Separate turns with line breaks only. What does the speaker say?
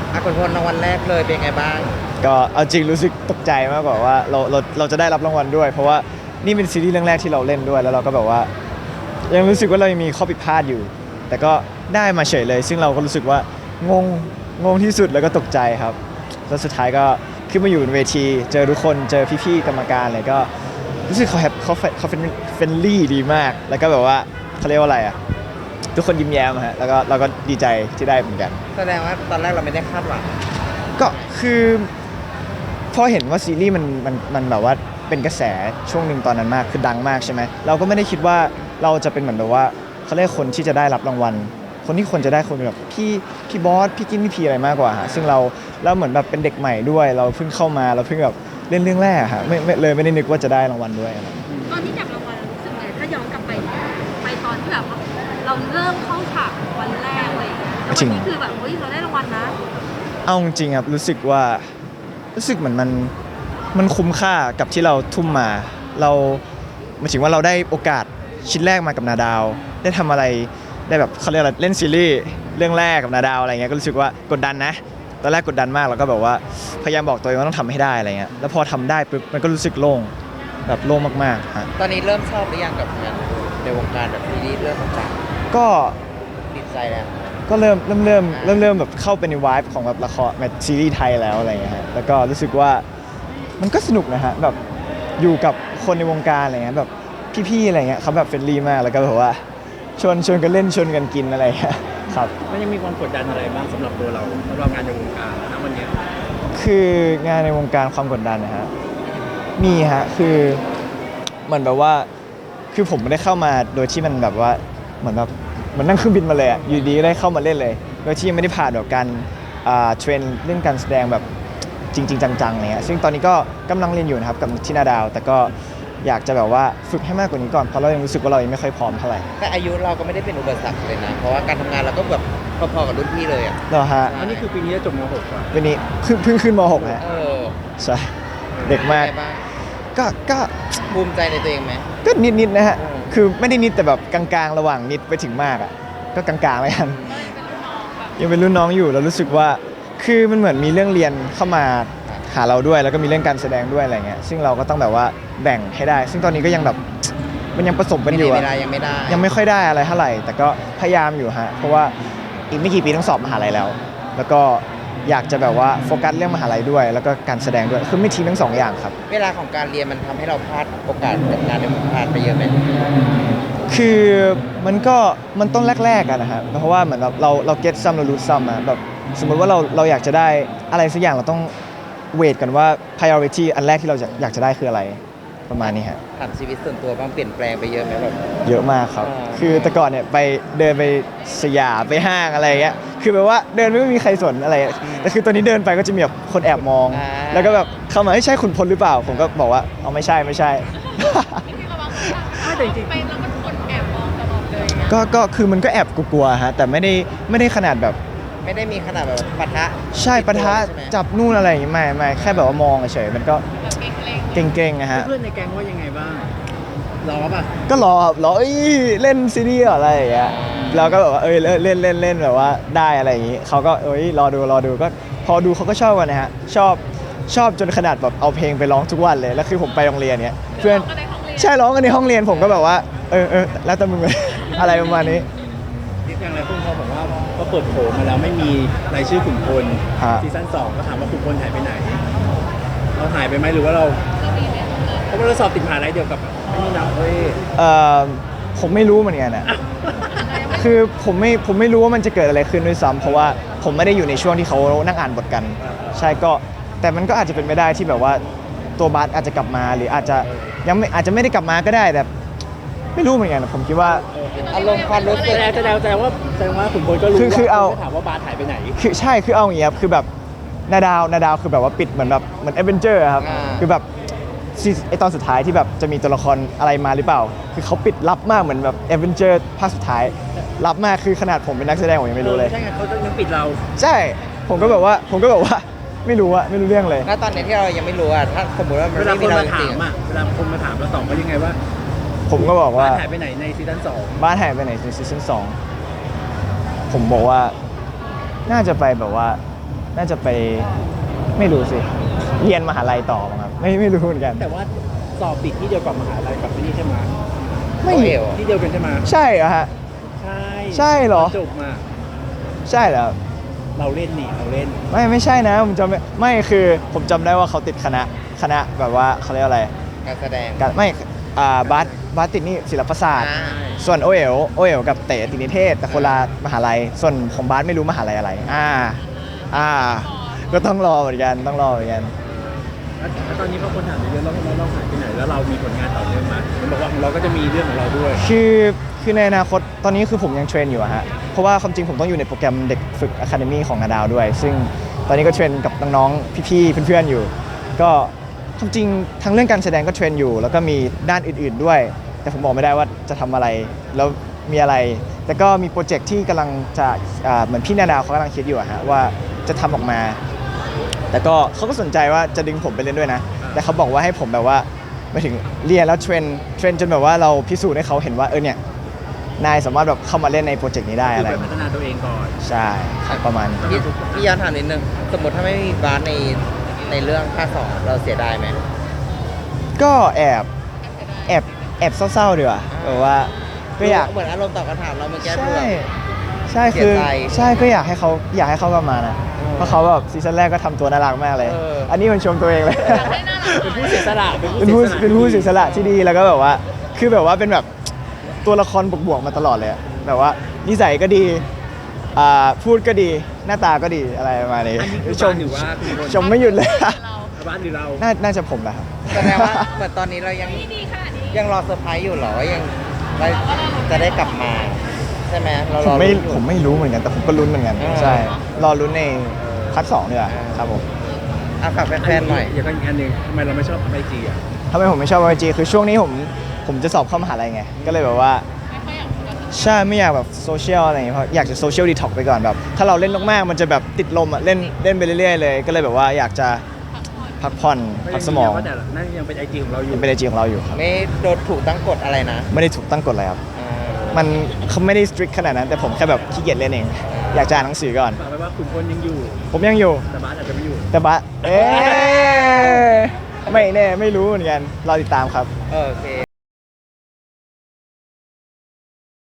คุณพลรางวัลแรกเลยเป็นไงบ้าง
ก็เอาจริงรู้สึกตกใจมากกว่าว่าเราจะได้รับรางวัลด้วยเพราะว่านี่เป็นซีรีส์เรื่องแรกที่เราเล่นด้วยแล้วเราก็แบบว่ายังรู้สึกว่าเรายังมีข้อผิดพลาดอยู่แต่ก็ได้มาเฉยเลยซึ่งเราก็รู้สึกว่างงที่สุดแล้วก็ตกใจครับแล้วสุดท้ายก็ขึ้นมาอยู่บนเวทีเจอทุกคนเจอพี่ๆกรรมการอะไรก็รู้สึกเขาเป็นเฟรนลี่ดีมากแล้วก็แบบว่าเขาเรียกว่าอะไรอ่ะทุกคนยิ้มแย้มฮะแล้วก็เราก็ดีใจที่ได้เหมือนกัน
แสดงว่าตอนแรกเราไม่ได้คาดหวัง
ก็คือพอเห็นว่าซีรีส์มันแบบว่าเป็นกระแสช่วงหนึ่งตอนนั้นมากคือดังมากใช่ไหมเราก็ไม่ได้คิดว่าเราจะเป็นเหมือนแบบว่าเขาเรียกคนที่จะได้รับรางวัลคนที่ควรจะได้คนแบบพี่บอสพี่กินพี่พีอะไรมากกว่าฮะซึ่งเราเหมือนแบบเป็นเด็กใหม่ด้วยเราเพิ่งเข้ามาเราเพิ่งแบบเล่นเรื่องแรกฮะไม่ได้นึกว่าจะได้รางวัลด้วย
ตอนที่จับรางวัลรู้สึกไงถ้าย้อนกลับไปตอนที่แบบเราเริ่มเข้าฉากวันแรกเลยแล้ววันนี้คือแบบเฮ้ยเราได้รางวัลนะ
เอาจริงครับรู้สึกเหมือนมันคุ้มค่ากับที่เราทุ่มมาเราหมายถึงว่าเราได้โอกาสชิ้นแรกมากับนาดาวได้ทำอะไรได้แบบเขาเรียกอะไรเล่นซีรีส์เรื่องแรกกับนาดาวอะไรเงี้ยก็รู้สึกว่ากดดันนะตอนแรกกดดันมากแล้วก็แบบว่าพยายามบอกตัวเองว่าต้องทำให้ได้อะไรเงี้ยแล้วพอทำได้ปุ๊บมันก็รู้สึกโล่งแบบโล่งมากๆฮะ
ตอนนี้เริ่มชอบหรือยังกับงานในวงการแบบซีรีส์เรื่องต่าง
ก็
ๆติดใจแล้ว
ก็เริ่มแบบเข้าไปในวายของแบบละครแบบซีรีส์ไทยแล้วอะไรเงี้ยฮะแล้วก็รู้สึกว่ามันก็สนุกนะฮะแบบอยู่กับคนในวงการอะไรเงี้ยแบบพี่ๆอะไรเงี้ยเขาแบบเฟรนลี่มากแล้วก็แบบว่าชวนกันเล่นชวนกันกินอะไรเงี้ยครับ
มันยังมีความกดดันอะไรบ้างสำหรับตัวเราสำหรับงานในวงการนะวันนี้
คืองานในวงการความกดดันนะฮะมีฮะคือเหมือนแบบว่าคือผมไม่ได้เข้ามาโดยที่มันแบบว่าเหมือนแบบมันนั่งเครื่องบินมาเลยอะอยู่ดีก็ได้เข้ามาเล่นเลยโดยที่ยังไม่ได้ผ่านแบบการเทรนเรื่องการแสดงแบบจริงๆจังๆอะไรเงี้ยซึ่งตอนนี้ก็กำลังเรียนอยู่นะครับกับที่นาดาวแต่ก็อยากจะแบบว่าฝึกให้มากกว่านี้ก่อนเพราะเรายังรู้สึกว่าเรายังไม่ค่อยพร้อมเท่าไหร่
แต่อายุเราก็ไม่ได้เป็นอุปสรรคเลยนะเพราะว่าการทำงานเราก็แบบพอๆกับรุ่นพี่เลยอ่ะ
เหรอฮะ
อันนี้คือปีนี้จะจบม .6 อ่ะ
วันนี้เพิ่งขึ้นม .6 ฮะใช่เด็กมากก็
ภูมิใจในตัวเองไหม
ก็นิดนะฮะคือไม่ได้นิดแต่แบบกลางๆระหว่างนิดไปถึงมากอ่ะก็กลางๆเลยกันยังเป็นรุ่นน้องอยู่แล้วรู้สึกว่าคือมันเหมือนมีเรื่องเรียนเข้ามาหาเราด้วยแล้วก็มีเรื่องการแสดงด้วยอะไรเงี้ยซึ่งเราก็ต้องแบบว่าแบ่งให้ได้ซึ่งตอนนี้ก็ยังแบบมันยังผสมกันอยู่ยังไม่ค่อยได้อะไรเท่าไหร่แต่ก็พยายามอยู่ฮะเพราะว่าอีกไม่กี่ปีต้องสอบมหาลัยแล้วก็อยากจะแบบว่าโฟกัสเรื่องมหาลัยด้วยแล้วก็การแสดงด้วยคือไม่ทิ้งทั้งสองอย่างครับ
เวลาของการเรียนมันทำให้เราพลาดโอกาสกับงานในวงการไปเยอะไหม
คือมันต้องแรกๆกันนะครับเพราะว่าเหมือนเราเก็ตซัมเรารู้ซัมอะแบบสมมติว่าเราอยากจะได้อะไรสักอย่างเราต้องเวทกันว่า priority อันแรกที่เราอยากจะได้คืออะไรประมาณนี้ฮะ
ถามชีวิตส่วนตัวบ้างเปลี่ยนแปลงไปเยอะไหมแบบ
เยอะมากครับคือแต่ก่อนเนี่ยไปเดินไปสยามไปห้างอะไรเงี้ยคือแบบว่าเดินไม่มีใครสนอะไรแต่คือตอนนี้เดินไปก็จะมีแบบคนแอบมองแล้วก็แบบเข้ามาใช่คุณพลหรือเปล่าผมก็บอกว่าเอาไม่ใช่
ไม่แต่จริงไปแล้วมันคนแอบมองตลอดเลย
ก็คือมันก็แอบกลัวๆฮะแต่ไม่ได้ขนาดแบบ
ไม่ได้มีขนาดแบบปะทะ
ใช่ปะทะจับนู่นอะไรอย่างงี้ไม่แค่แบบว่ามองเฉยมันก็เก่งๆนะฮะ
เพื่อนในแก๊งว่ายังไงบ้างรอป่ะ
ก็รอเล่นซีรีส์อะไรอย่างเงี้ยเราก็แบบว่าเล่นแบบว่าได้อะไรอย่างงี้เขาก็รอดูก็พอดูเขาก็ชอบกันนะฮะชอบจนขนาดแบบเอาเพลงไปร้องทุกวันเลยแล้วคือผมไปโรงเรียนเนี้ยเพื่อนใช่ร้องกันในห้องเรียนผมก็แบบว่าแล้วแต่มึงเลยอะไรประมาณนี้
อย่างไรคุณพ่อบอกว่าก็เปิดโผล่มาแล้วไม่มีรายชื่อขุนพลซีซั่น2ก็ถามว่าขุนพลหายไปไหนเราหายไปไหมหรือว่าเราเพราะว่าเราสอบติดมหาลัยเดียวกับนี่นะ
ผมไม่รู้เหมือนกันนะคือผมไม่รู้ว่ามันจะเกิดอะไรขึ้นด้วยซ้ำเพราะว่าผมไม่ได้อยู่ในช่วงที่เขานั่งอ่านบทกันใช่ก็แต่มันก็อาจจะเป็นไม่ได้ที่แบบว่าตัวบาสอาจจะกลับมาหรืออาจจะไม่ได้กลับมาก็ได้แต่ไม่รู้เหมือนกันผมคิดว่า
อารมณ์ความรู้สึก
แสดงว่าขุนพลก็รู้
คือเอา
ถามว่าบาสหายไปไหน
คือใช่คือเอาอย่างเงี้ยคือแบบนาดาวคือแบบว่าปิดเหมือนแอดเวนเจอร์ครับคือแบบไอตอนสุดท้ายที่แบบจะมีตัวละครอะไรมาหรือเปล่าคือเขาปิดลับมากเหมือนแบบแอดเวนเจอร์ภาคสุดท้ายลับมากคือขนาดผมเป็นนักแสดงผมยังไม่รู้เลย
ใช่ไงเขาต้องปิดเรา
ใช่ผมก็แบบว่าไม่รู้เรื่องเลย
ณตอนนี้ที่เรายังไม่รู้อะถ้าสมมติว่ามันไม่มีเราจริง
เวลาคนมาถามเราตอบว่ายังไงว่า
ผมก็บอกว่า
หายไปไหนในซีซั่น2
บ้านหายไปไหนในซีซั่น2ผมบอกว่าน่าจะไปแบบว่าน่าจะไปไม่รู้สิเรียนมหาลัยต่อมั้งครับไม่รู้เหมือนกัน
แต่ว่าสอบติดที่เดียวกับมหาลัยกับที่นี่ใช่ไหม
ไม่
โอเอล
ที่เดียวกันใช่ไหม
ใช่เหรอฮะ
ใช่
ใช่เหรอ
จบมา
ใช่เหรอ
เราเล่นนี่เราเล่น
ไม่ใช่นะผมจำไม่คือผมจำได้ว่าเขาติดคณะแบบว่าเขาเรียกอะไร
การแสดง
การไม่บาสติดนี่ศิลปศาสตร์
อ่า
ส่วนโอเอ๋วกับเต๋ติดนิเทศแต่คนละมหาลัยส่วนของบาสไม่รู้มหาลัยอะไรก็ต้องรอเหมือนกันต้องรอเหมือนกัน
แล้วตอนนี้พอคนถามเยอะๆเราหายไปไหนแล้วเรามีผลงานต่อเนื่องไหมมันบอกว่าของเราก็จะมีเรื่องของเราด้วย
คือในอนาคตตอนนี้คือผมยังเทรนอยู่อะฮะเพราะว่าความจริงผมต้องอยู่ในโปรแกรมเด็กฝึกอะคาเดมี่ของนาดาวด้วย ซึ่งตอนนี้ก็เทรนกับน้องๆพี่ๆเพื่อนๆอยู่ ก็ความจริงทั้งเรื่องการแสดงก็เทรนอยู่ แล้วก็มีด้านอื่นๆด้วย แต่ผมบอกไม่ได้ว่าจะทำอะไรแล้วมีอะไร แต่ก็มีโปรเจกต์ที่กำลังจะเหมือนพี่นาดาวเขากำลังคิดอยู่อะฮะว่าจะทำออกมา แต่ก็เขาก็สนใจว่าจะดึงผมไปเล่นด้วยนะ แต่เขาบอกว่าให้ผมแบบว่าไปถึงเรียนแล้วเทรนจนแบบว่าเราพิสูจน์ให้เขาเห็นว่าเนี่ยนายสามารถแบบเข้ามาเล่นในโปรเจกต์นี้ได้
คือ
อะไร
ไปพัฒนาตัวเองก่อน
ใช่ประมาณนี้
พี่ย้อนถามนิดนึงสมมติถ้าไม่มีบาสในเรื่องภาค 2เราเสียดายไหม
ก็แอบเศร้าๆดีกว่าแบบว่าก็อยาก
เหมือนอารมณ์ตอบคำถามเราเมื่อกี้
ใช่
คือแบบ
ใช่
เสี
คื
ย
อ
ใจ
ใช่ก็อยากให้เขากลับมานะเพราะเขาแบบซีซั่นแรกก็ทำตัวน่ารักมากเลย อันนี้มันชมตัวเองเลย
ให้น่ารัก
เป็นผู้เสียสละ
เป็นผู้เสียสละที่ดีแล้วก็แบบว่าคือแบบว่าเป็นแบบตัวละครบวกๆมาตลอดเลยอะแบบว่านิสัยก็ดีพูดก็ดีหน้าตาก็ดีอะไรประมาณนี้
อันนี้คือ
ช
บ้าม นหรือว่าคุณคน
ชมไม่หยุดเลย
บ้านหรือเรา
น่าจะผมแหละครับ
แสดงว่าเหมือนตอนนี้เรายัง
ดีขนาดนี้
ยังรอเซอร์ไพรส์อยู่เหรอว่ายังว่าจะได้กลับมา ใช่ไหมเรา
ผ
รอ
มไม่
ลุ้นอยู่
ผมไม่รู้เหมือนกันแต่ผมก็ลุ้นเหมือนกัน
อ่า
ใช่รอลุ้นในพาร์ท 2ดีกว่าครับผม
ฝากแฟนๆหน่อย
อย่างอีกอันหนึ่งทำไมเราไม่ชอบไอจีอ่ะ
ทำไมผมไม่ชอบไอจีคือช่วงนี้ผมจะสอบเข้ามหาลัยไงก็เลยแบบว่า
ไม่ค่อยอยากคุยกับ
ใช่ไม่อยากแบบโซเชียลอะไรอย่างเงี้ยเพราะอยากจะโซเชียลดีท็อกไปก่อนแบบถ้าเราเล่นมากๆมันจะแบบติดลมอ่ะเล่นไปเรื่อยๆเลย ก็เลยแบบว่าอยากจะพักผ่อนพักสมอง
ก็แต่นั่นยังเป็นไอจีของเราอยู่
ยังเป็นไอจีของเราอยู่ครับ
ไม่โดนถูกตั้งกฎอะไรนะ
ไม่ได้ถูกตั้งกฎอะไรครับ
อ่า
มันเขาไม่ได้สตริกขนาดนั้น แต่ผมแค่แบบขี้เกียจเล่นเอง อยากจะอ่านหนังสือก่อน
ฝากไว้ว่าคุณคนยังอยู่
ผมยังอยู่
แต่บ้านอาจจะไม่อยู่
แต่ไม่แน่ไม่รู้เหมือนกันรอติดตามครับ
โอเค